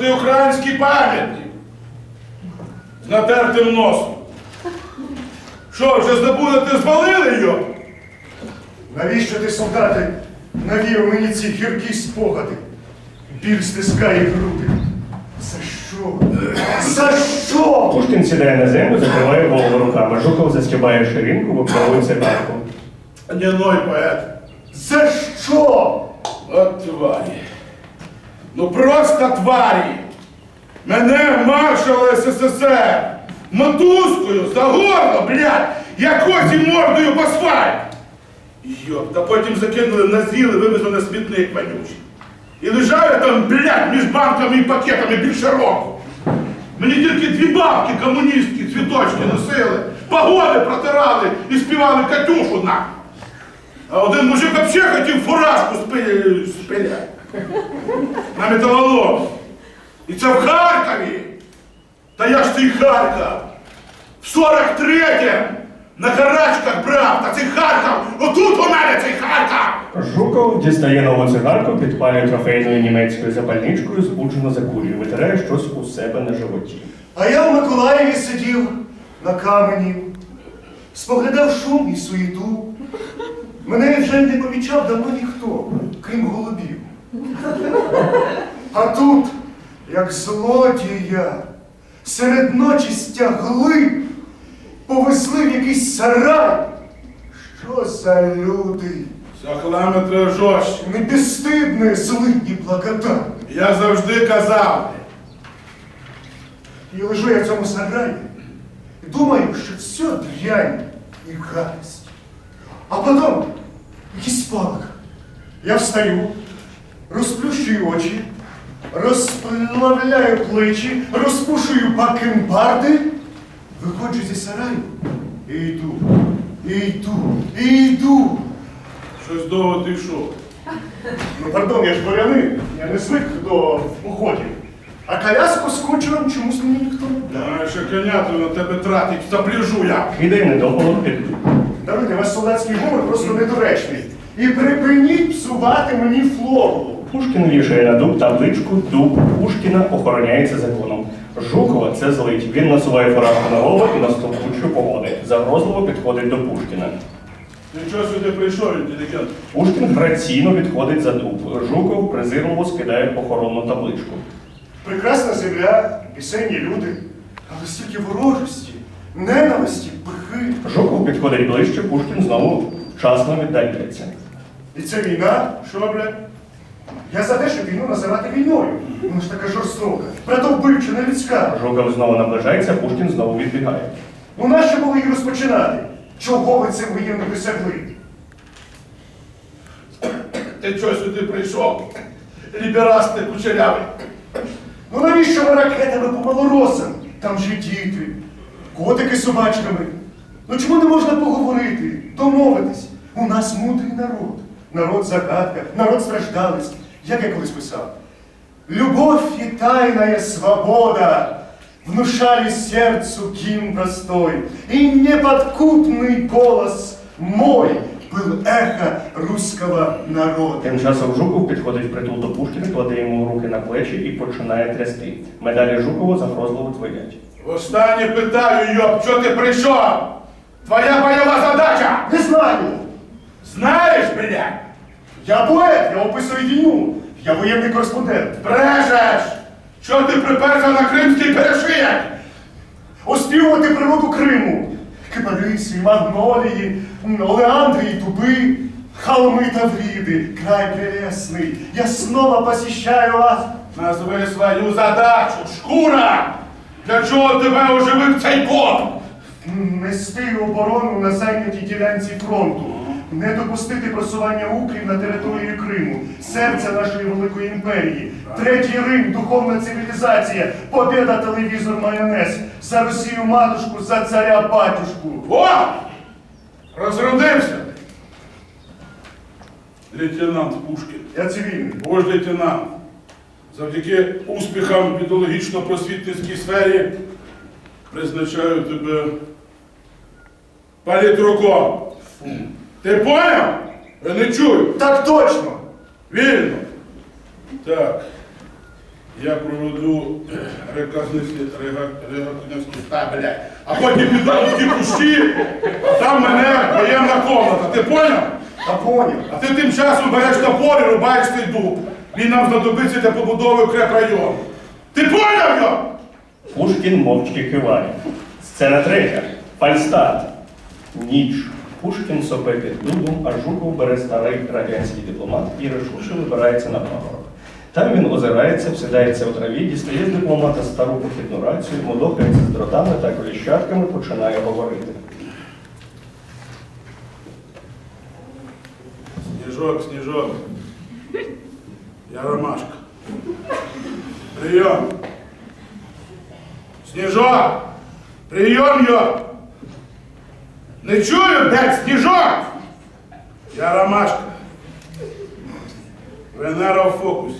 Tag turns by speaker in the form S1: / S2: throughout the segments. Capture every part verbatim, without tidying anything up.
S1: ти український пам'ятник з натертим носом. Що, вже забули, ти звалили його?
S2: Навіщо ти, солдати, навів мені ці гіркі спогади? Біль стискає груди. За що? За що?
S3: Пушкін сідає на землю, закриває голову руками. Жуков застібає ширинку, виправує цигарку.
S1: Гнилой поет.
S2: За що?
S1: От тварі. Ну просто тварі. Мене маршал ес ес ес ер мотузкою за горло, блядь, якось і мордою по асфальт. Йоп, та потім закинули на зіл і вивезли на смітник вонючий. І лежав я там, блядь, між банками і пакетами більше року. Мені тільки дві бабки комуністські цвіточки носили, погони протирали і співали Катюшу на. А один мужик взагалі хотів фуражку спи- спиляти. На металолом. І це в Харкові. Та я ж цей Харків. В сорок третьому на карачках брав. Та цей Харків, отут у мене цей Харків.
S3: Жуков дістає нову цигарку, підпалює трофейною німецькою запальничкою, збуджено закурює, витирає щось у себе на животі.
S2: А я в Миколаєві сидів на камені, споглядав шум і суєту. Мене вже не помічав давно ніхто, крім голубів. А тут, як злодія, серед ночі стягли, повезли в якийсь сарай. Що за люди?
S1: Сахламетра жорстче.
S2: Не безстидне, злидні благодатні.
S1: Я завжди казав.
S2: І лежу я в цьому сараї і думаю, що все дрянь і гадость. А потім якийсь спалах. Я встаю, розплющую очі, розплавляю плечі, розпушую бакенбарди, виходжу зі сараю і йду, і йду, і йду.
S1: Щось довго ти йшов.
S2: Ну, пардон, я ж дворянин, я не звик до походів. А коляску з кучером чомусь мені ніхто не дав.
S1: Знаєш, що коняту на тебе тратить, запряжу я.
S3: Кидає недопалок під
S2: Даруйте, ваш солдатський говор просто недоречний. І припиніть псувати мені флору.
S3: Пушкін вішає на дуб табличку «Дуб Пушкіна охороняється законом». Жукова це злить. Він насуває фуражку на голову і настовбучує погоди. Загрозливо підходить до Пушкіна.
S1: Ти чого сюди прийшов, інтелігент?
S3: Пушкін граційно відходить за дуб. Жуков презирливо скидає охоронну табличку.
S2: Прекрасна земля, пісенні люди, але стільки ворожості, ненависті, брехи.
S3: Жуков підходить ближче, Пушкін знову вчасно віддаляється.
S2: І це війна?
S1: Що, блядь?
S2: Я за те, щоб війну називати війною. Вона ж така жорстока, братовбивча, нелюдська.
S3: Жуков знову наближається, Пушкін знову відбігає.
S2: Ну нащо було її розпочинати? Чого ви це воєнно досягли?
S1: Ти чого сюди прийшов? Ліберасти кучерявий.
S2: Ну навіщо ви ракетами по малоросам? Там же діти, котики з собачками. Ну чому не можна поговорити, домовитись? У нас мудрий народ. Народ загадка, народ страждалець. Як я колись писав. Любовь и тайная свобода внушали сердцу гимн простой, и неподкупный голос мой был эхо русского народа.
S3: Тим часом Жуков підходить впритул до Пушкіна, кладе йому руки на плечі і починає трясти. Медалі Жукова загрозливо твоять.
S1: Востаннє питаю, йоп, що ти прийшов? Твоя бойова задача!
S2: Не знаю.
S1: Знаєш, блядь?
S2: Я поет, я описую війну. Я воєнний кореспондент.
S1: Брешеш! Що ти приперся на кримський перешияк?
S2: Оспівувати природу Криму. Кипариси, магнолії, олеандри і дуби, холмы Тавриды, край прелестный. Я снова посещаю вас.
S1: Назви свою задачу, шкура! Для чого тебе оживив цей коп?
S2: Нести оборону на зайнятій ділянці фронту. Не допустити просування укрів на території Криму, серця нашої великої імперії. Третій Рим, духовна цивілізація, побєда, телевізор, майонез. За Росію матушку, за царя батюшку.
S1: О! Розродився! Лейтенант Пушкін.
S2: Я цивільний.
S1: Вождь лейтенант. Завдяки успіхам в ідеологічно-просвітницькій сфері призначаю тебе політруком. Ти поняв? Я не чую.
S2: Так точно.
S1: Вільно. Так. Я проведу рекогносцію, та, блядь, а потім піду в ті кущі, а там мене воєнна комната. Ти поняв?
S2: Та поняв.
S1: А ти тим часом береш топор і рубаєш цей дуб. Він нам знадобиться для побудови укрепрайону. Ти поняв його?
S3: Пушкін мовчки киває. Сцена третя. Фальстарт. Ніч. Пушкін сопе під дубом, а Жуков бере старий радянський дипломат і рішуче вибирається на пагорок. Там він озирається, всідається у траві, дістає з дипломата стару похідну рацію, мудохається з дротами та коліщатками, починає говорити.
S1: Сніжок, Сніжок. Я Ромашка. Прийом. Сніжок! Прийом його! Не чую, де Сніжок! Я Ромашка. Венера в фокусі.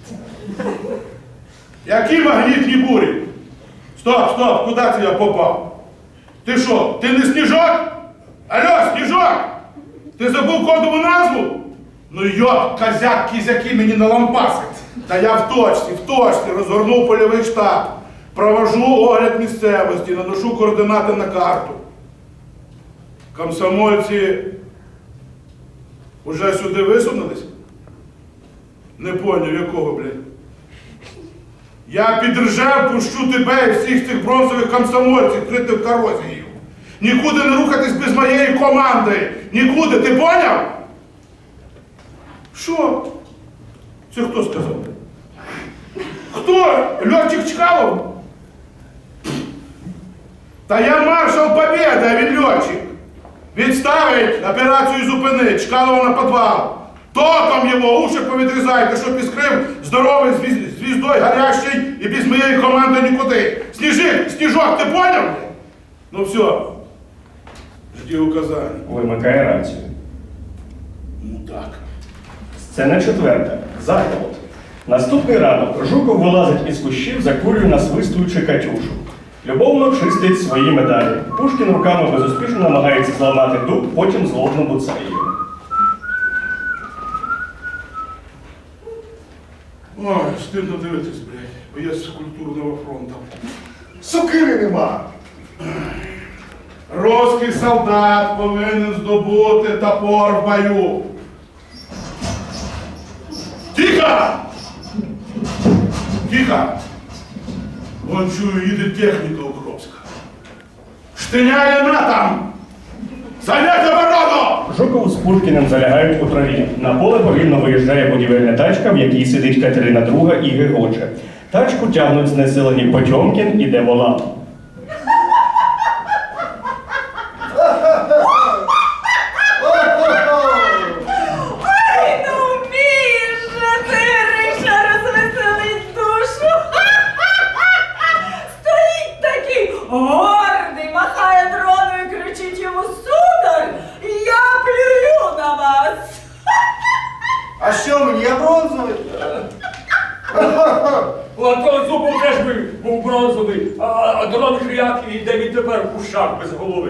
S1: Які магнітні бурі? Стоп, стоп, куди це я попав? Ти що, ти не Сніжок? Алло, Сніжок! Ти забув кодову назву? Ну йоп, козяк, кізяки мені налампасить. Та я в точці, в точці розгорнув польовий штаб. Провожу огляд місцевості, наношу координати на карту. Комсомольці уже сюди висунулись? Не поняв, якого, блядь? Я під Ржев пущу тебе і всіх цих бронзових комсомольців, критих корозіїв. Нікуди не рухатись без моєї команди. Нікуди, ти поняв? Що? Це хто сказав? Хто? Льотчик Чкалов? Та я маршал Побєди, а він льотчик. Відставить, операцію зупинить, Чкалова на підвал. Током його, уші повідрізайте, щоб іскрив здоровий звіз- звіздой гарячий і без моєї команди нікуди. Сніжик, Сніжок, ти поняв? Ну все, жди указання.
S3: Вимикає рацію.
S1: Ну так.
S3: Сцена четверта. Заколот. Наступний ранок Жуков вилазить із кущів, закурює, насвистуючи Катюшу. Любовно чистить свої медалі. Пушкін руками безуспішно намагається зламати дуб, потім злобно буцає його.
S1: Ой, стидно дивитись, блядь, бо я з культурного фронту.
S2: Сокири нема.
S1: Руський солдат повинен здобути топор в бою. Тихо! Тихо! Вон чую, їде техніка укропська. Штиняє натам! Зайняти оборону!
S3: Жуков з Пушкіним залягають у траві. На поле повільно виїжджає будівельна тачка, в якій сидить Катерина друга і гегоче. Тачку тягнуть знесилені Потьомкін і Деволан.
S4: Ой, ну вмієш же ти, Риша, розвеселить душу. Стоїть такий гордий, махає дроною і кричить йому: сударь, я плюю на вас.
S2: А що мені, я бронзовий?
S5: Антон Зубов теж би був бронзовий, а, а дрон Хряк і де він тепер у шах без голови.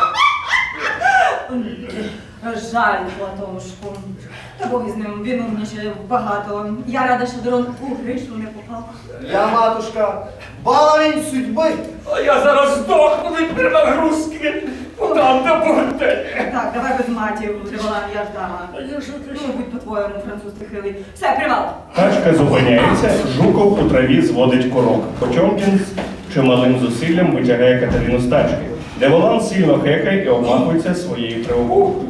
S4: Жаль, Платошку. Та Бог із ним, він умніше багато. Я рада, що дрон у Гришу не попав.
S2: Я, матушка, баловень судьби.
S5: А я зараз здохну від перенагрузки. Подам до борделя.
S4: Так, давай без матів, Деволан, я ж дама.
S5: А я що ти?
S4: Ну, будь по-твоєму, француз ти хилий. Все, привал.
S3: Тачка зупиняється, Жуков у траві зводить курок. Потьомкін з чималим зусиллям витягає Катерину з тачки. Деволан сильно хекає і обмахується своєю тривогою.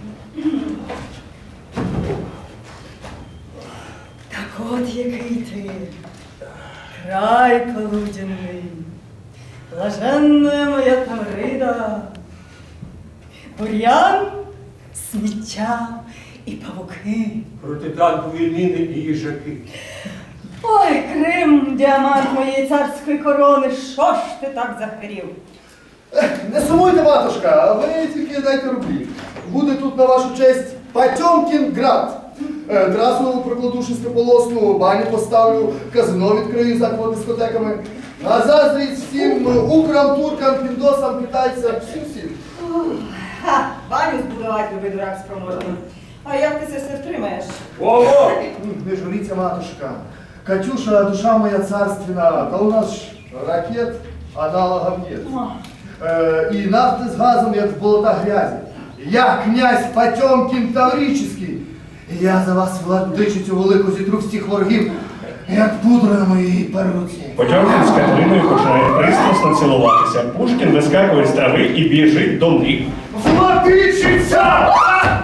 S4: Так от який ти, край полуденний, блаженна моя Таврида, бур'ян, сміття і павуки.
S5: Протитанкові міни і їжаки.
S4: Ой, Крим, діамант моєї царської корони, що ж ти так захворів?
S2: Не сумуйте, матушка, а ви тільки дайте рублі. Буде тут на вашу честь Потьомкінград. Е, Трасу прокладу шестиполосну, баню поставлю, казино відкрию з аквадискотеками. На заздрість всім украм, туркам, піндосам, китайцям, всім-всім.
S4: Ха, баню збудувати, любий дурак спроможний. А як ти це все втримаєш?
S5: Ого!
S2: Не журіться, матушка. Катюша, душа моя царственна, да у нас ж ракет аналогов нет. Э, и нафты с газом, як в болотах грязи. Я князь Потьомкін Таврический. І я за вас, владичицю велику, зітру всіх ворогів, як пудра на моїй перуці.
S3: Потьомкін з Катериною починає пристрасно цілуватися. Пушкін вискакує з трави і біжить до них.
S2: Владычица!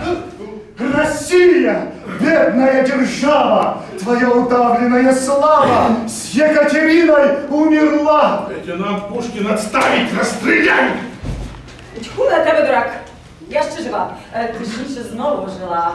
S2: Россия, бедная держава, твоя удавленная слава с Екатериной умерла.
S1: Лейтенант Пушкін отставить, розстріляй!
S4: Тьху на тебе, дурак. Я ще жива. Е, Точніше, знову жила.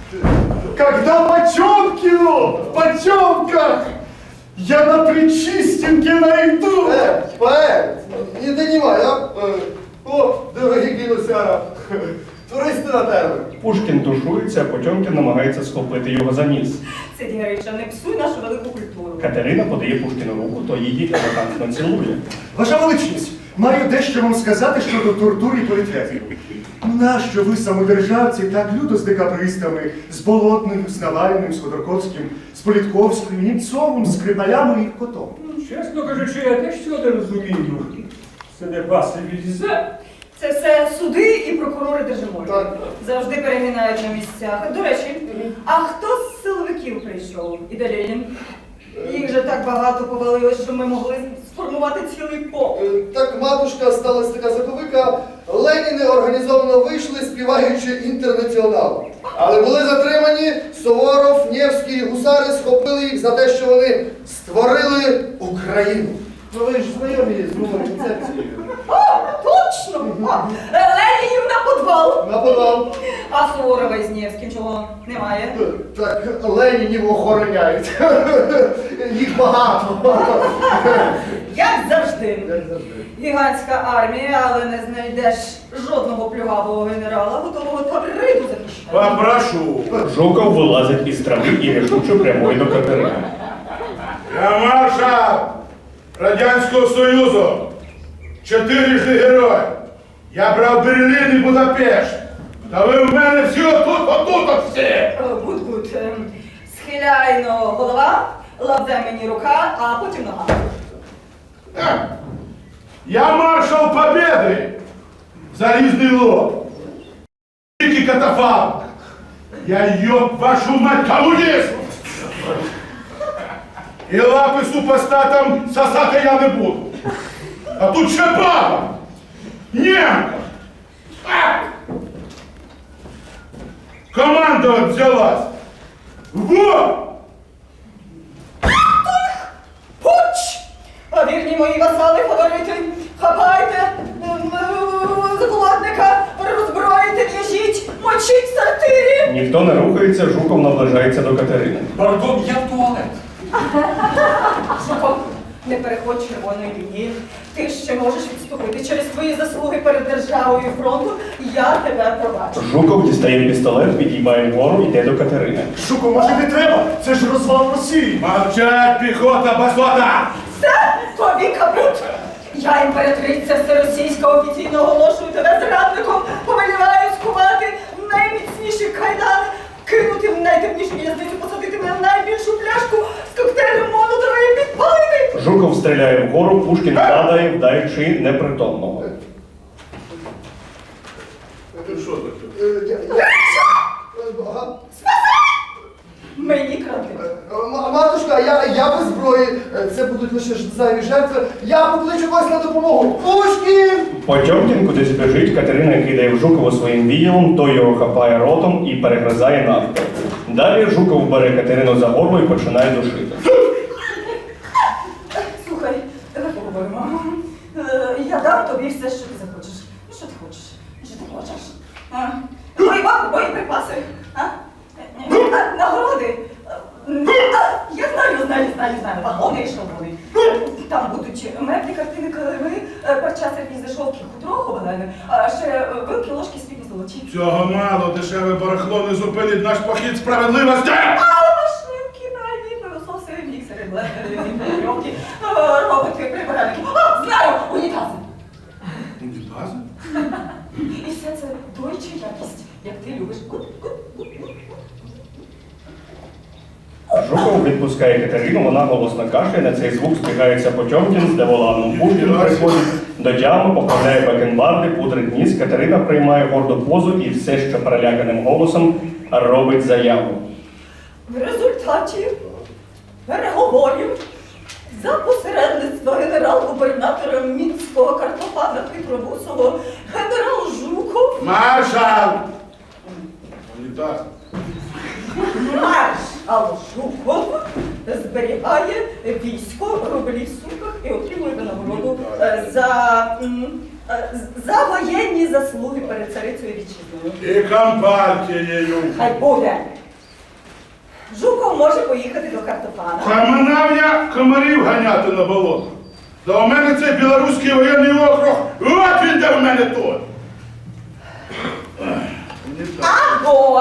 S2: Когда Потемкину в потемках я на Причистенке найду.
S6: Е, поет, не донимай, а? Е, О, дорогі гінусяра, туристи на тебе.
S3: Пушкін тушується, а Потьомкін намагається схопити його за ніс.
S4: Сиді, Грища, не псуй нашу велику культуру.
S3: Катерина подає Пушкіну руку, то її елегантно цілує.
S2: Ваша величність, маю дещо вам сказати щодо тортур і політв'язнів. Нащо ви, самодержавці, так люто з декабристами, з Болотним, з Навальним, з Ходорковським, з Політковським, Німцовим, з Скрипалями і Котом?
S5: Чесно кажучи, я теж цього не розумію. Це не пасивілізе.
S4: Це все суди і прокурори держиморі.
S6: Так.
S4: Завжди перемінають на місцях. До речі, а хто з силовиків прийшов? І де Ленін? Їх же так багато повалилось, що ми могли сформувати цілий полк.
S6: Е, Так, матушка, сталася така заковика. Леніни організовано вийшли, співаючи інтернаціонал. Але були затримані, Суворов, Невський, гусари схопили їх за те, що вони створили Україну. Ну ви ж знайомі з новою концепцією.
S4: О, точно! А, Ленінів на подвал!
S6: На подвал.
S4: А Суворова із Невським чого немає?
S6: Так, Ленінів охороняють. Їх багато.
S4: Як завжди.
S6: Як завжди.
S4: Гігантська армія, але не знайдеш жодного плюгавого генерала, готового Тавриду захищати.
S1: Попрошу.
S3: Жуков вилазить із трави і рішуче прямує до Катерини.
S1: Я маршал Радянського Союзу. Чотирижний герой. Я брав Берлін і Будапешт. Та ви в мене всі отут, отут, от всі.
S4: Гуд-гуд. Схиляйно голова, лавзе мені рука, а потім нога.
S1: Е, Я маршал Побєди. Залізний лоб. Великий катафалк. Я ёб вашу мать комуніст. І лапи супостатам сосати я не буду. А тут ще баба. Немка. А! Команда от взялась. Во!
S4: Пуч! А вірні мої васали, фаворити, хапайте ем, е, закладника, роззброїте, в'яжіть, мочіть в сортирі.
S3: Ніхто не рухається, Жуков наближається до Катерини.
S5: Пардон, я в туалет.
S4: Жуков, не переходь червоної лінії. Ти ще можеш відступити через твої заслуги перед державою і фронтом. Я тебе пробачу.
S3: Жуков дістає пістолет, підіймає вгору, йде до Катерини.
S2: Шуко, може не треба? Це ж розвал Росії.
S1: Мовчать, піхота, басота!
S4: Все, тобі капут! Я імператриця всеросійська офіційно оголошую тебе зрадником, повеліваю скувати в найміцніші кайдани, кинути в найтемнішу в'язницю, посадити мене в найбільшу пляшку з коктейлем Молотова і підпалити!
S3: Жуков стріляє вгору, Пушкін падає, вдаючи непритомного.
S1: Що таке?
S6: Е, я- я- Ага.
S4: Мені кради.
S6: М- Матушка, я, я без зброї. Е, Це будуть лише ж зайві жертви. Я покличу вас на допомогу. Пушкін!
S3: Потьомкін кудись біжить, Катерина кидає в Жукова своїм віялом, той його хапає ротом і перегризає навпіл. Далі Жуков бере Катерину за горло і починає душити.
S4: Слухай, давай поговоримо. Е, Я дам тобі все, що ти захочеш. Ну, що ти хочеш? Що ти хочеш? А? Бойова- Боєприпаси? А? А, Нагороди? А, Я знаю, знаю, знаю, знаю. Вагони і шалони. Там будуть меблі, картини, килими, е, парча сервіз, дешовки, хутро ховалене, а ще е, вилки, ложки, спільні золоті.
S1: Цього мало, дешеве барахло не зупинить наш похід справедливості!
S4: А машинки, пральні, пилососи, міксери, блендери, мікройовки, роботи, прибиральники. А, знаю, унітази.
S1: Унітази?
S4: І все це дойча якість, як ти любиш.
S3: Жуков відпускає Катерину, вона голосно кашляє, на цей звук збігається Потьомкін з Деволаном. Пушкін приходить до тями, поправляє бакенбарди, пудрить ніс. Катерина приймає горду позу і все ще переляканим голосом робить заяву.
S4: В результаті переговорів за посередництва генерал-губернатора Мінського картофана Хитробусого генерал Жуков,
S1: Маршал! Унітаз.
S4: маршал Жуков зберігає військо, рублі в сумках і отримує винагороду е, за, м, е, за воєнні заслуги перед царицею вітчизною.
S1: І компартією.
S4: Хай буде. Жуков може поїхати до картофана.
S1: Хаманав я комарів ганяти на болото. Та у мене цей білоруський воєнний округ, от він де в мене той.
S4: Або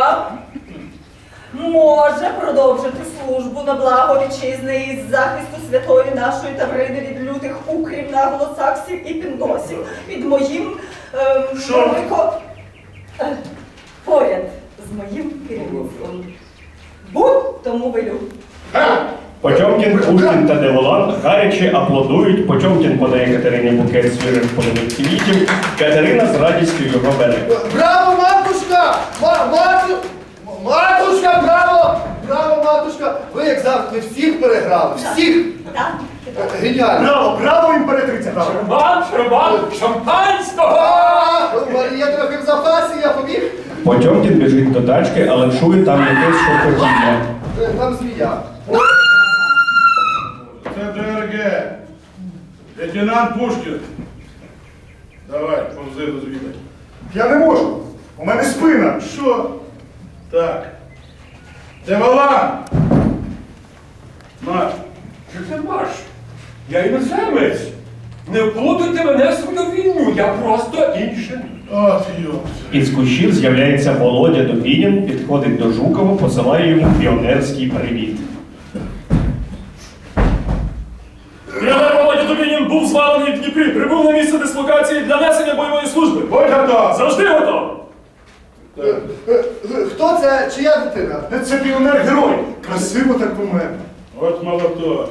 S4: може продовжити службу на благо вітчизни із захисту святої нашої Таврини від лютих укрів, наглосаксів і піндосів під моїм ем,
S1: Що?
S4: велико... е, поряд з моїм керівництвом. Будь тому велю.
S1: Ха!
S3: Потьомкін, Пушкін та Деволан гаряче аплодують. Потьомкін подає Катерині букет свіжих полових квітів. Катерина з радістю його бере.
S6: Браво, матушка! Ма- мату... Матушка, браво! Браво, матушка! Ви, як завжди, всіх переграли. Всіх!
S4: Так?
S6: Геніально!
S2: Браво, браво, імператриця! Браво!
S5: Шампан, шампан, шампанського!
S6: А, Марія трохи в запасі, я побіг.
S3: Потьомкін біжить до тачки, але чує там якесь шурхотіння.
S6: Е, Там змія.
S1: Це ДРГ. Лейтенант Пушкін. Давай, повзи розвідай.
S2: Я не можу. У мене спина.
S1: Що? Так. Деволан! Марш.
S5: Що це марш? Я іноземець. Не вплутуйте мене в свою війну, я просто інший.
S1: От йопс.
S3: Із кущів з'являється Володя Добінін, підходить до Жукова, посилає йому піонерський привіт.
S7: Генерал Володя Добінін був звалений в Дніпрі, прибув на місце дислокації для несення бойової служби.
S1: Будь готов!
S7: Завжди готов!
S1: Так.
S6: Е, е, Хто це? Чия дитина?
S2: Це піонер-герой. Красиво так помер.
S1: От молоток.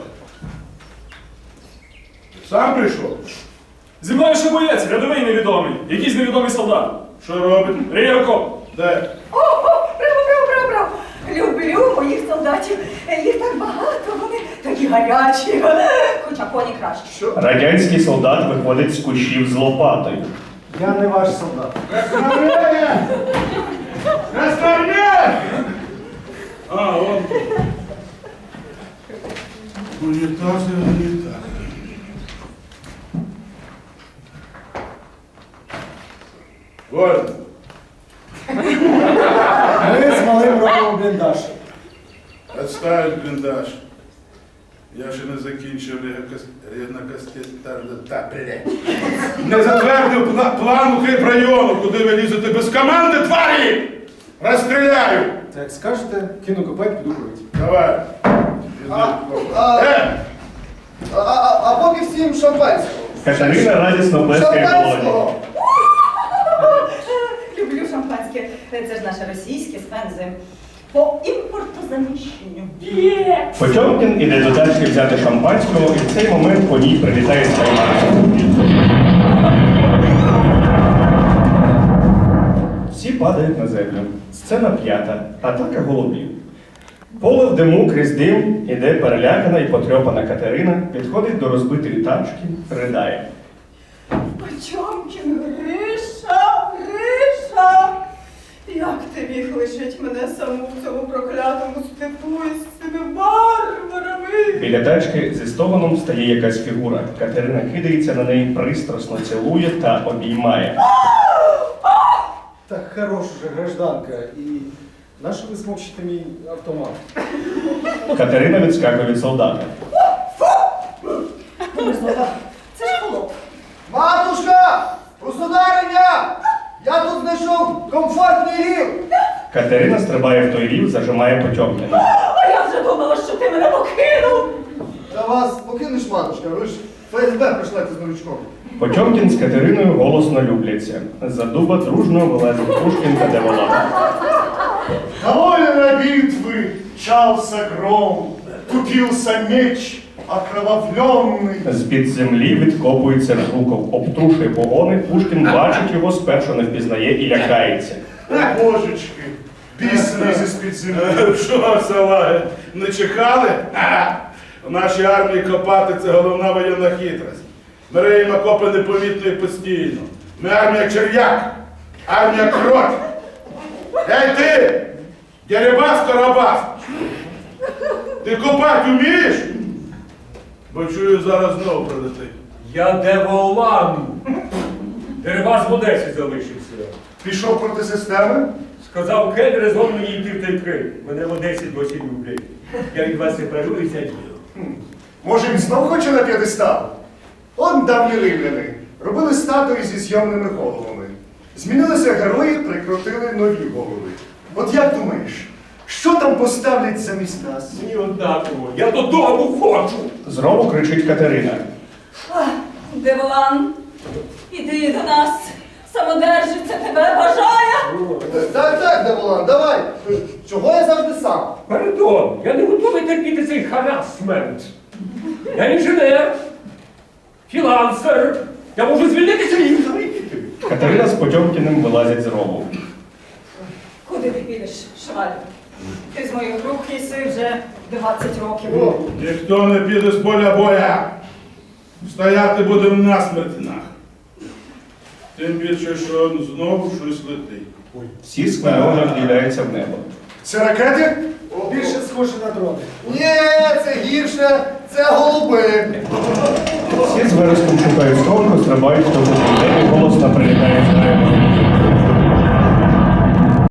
S1: Сам прийшов?
S7: Зі мною ще боєць, рядовий невідомий, якийсь невідомий солдат.
S1: Що робить?
S7: Ріє окоп.
S1: Де?
S4: О, о, браво, браво, браво, браво! Люблю моїх солдатів. Їх так багато, вони такі гарячі. Хоча коні краще.
S3: Радянський солдат виходить з кущів з лопатою.
S2: Я не ваш солдат.
S1: Красноармія! Красноармія! А, он. Унітази, унітази. Вольно.
S2: Ми з малим робимо бліндаж.
S1: Отставить бліндаж. Я ще не закінчив ріднокастетарну та блядь. Не затвердив пла- план укріпрайону, куди ви лізете без команди, тварі! Розстріляю!
S2: Так як скажете, кину копать, піду курити.
S1: Давай.
S6: А, а,
S1: Е!
S6: а, а, а поки всім шампанського.
S3: Катерина радісно плескає Володі.
S6: Шампанського!
S4: Люблю шампанське. Це ж наше російське спензи. По імпортозаміщенню. Є!
S3: Потьомкін іде до тачки взяти шампанського, і в цей момент по ній прилітає спаймарка. Всі падають на землю. Сцена п'ята. Атака голубів. Поле в диму крізь дим іде перелякана і потрьопана Катерина, підходить до розбитої тачки, ридає.
S4: Потьомкін, Гриша, Гриша! Як ти міг лишить мене саму в цьому проклятому степу із цими варварами?
S3: Біля тачки зі стогоном стає якась фігура. Катерина кидається на неї, пристрасно цілує та обіймає.
S8: Так хорош уже гражданка, і нащо ви смокчите мій автомат?
S3: Катерина відскакує від солдата.
S4: Мерзота, це ж холоп.
S6: Матушка! Государиня! Я тут знайшов комфортний рів!
S3: Катерина стрибає в той рів, зажимає Потьомкіна.
S4: А я вже думала, що ти мене покинув.
S6: Та вас покинеш, матушка, ви ж ФСБ прийшлете з новичком.
S3: Потьомкін з Катериною голосно любляться. За дуба дружно вилазить Пушкін та Деволан.
S2: Довольно битвы, чался гром, купился меч окровавленный.
S3: З-під землі відкопується Жуков, обтрушує погони, Пушкін бачить його, спершу не впізнає і лякається.
S2: О, божечки, біс лізе з-під землі.
S1: Що, салаги, не чекали? Ха! У нашій армії копати це головна воєнна хитрость. Ми риємо окопи непомітно і постійно. Ми армія черв'як, армія крот. Ей ти, Дерибас Карабас, ти копати вмієш? Бо чую, зараз знову прилетить.
S5: Я Деволан. Дерибас в Одесі залишився.
S2: Пішов проти системи?
S5: Сказав Кель, резон мені йти в той Крим. Мене в Одесі досі люблять. Я від вас сепаруюся.
S2: Може, він знов хоче на п'єдестал? Он давні римляни робили статуї зі зйомними головами. Змінилися герої, прикрутили нові голови. От як думаєш, що там поставлять замість нас?
S5: Мені однаково. Я додому хочу.
S3: Знову кричить Катерина.
S4: Ах, Деволан, іди до нас. Самодержиця тебе бажає.
S6: Так, так, Деволан, давай. Чого я завжди сам?
S5: Пардон, я не готовий терпіти цей харасмент. Я інженер, філансер. Я можу звільнитися і залетіти.
S3: Катерина з Потьомкіним вилазять з рову.
S4: Куди ти підеш, швалю? Ти з моїх рук їси вже двадцять років.
S1: Ніхто не піде з поля боя. Стояти будемо насмерть нах. Тим більше, що знову щось летить.
S3: Всі схвильовано вдивляються в небо.
S2: Це ракети?
S8: Більше схоже на дрони.
S6: Ні, це гірше, це голуби.
S3: Всі з вереском шукають сховку, стрибають в тому, і голосно прилітає з неба.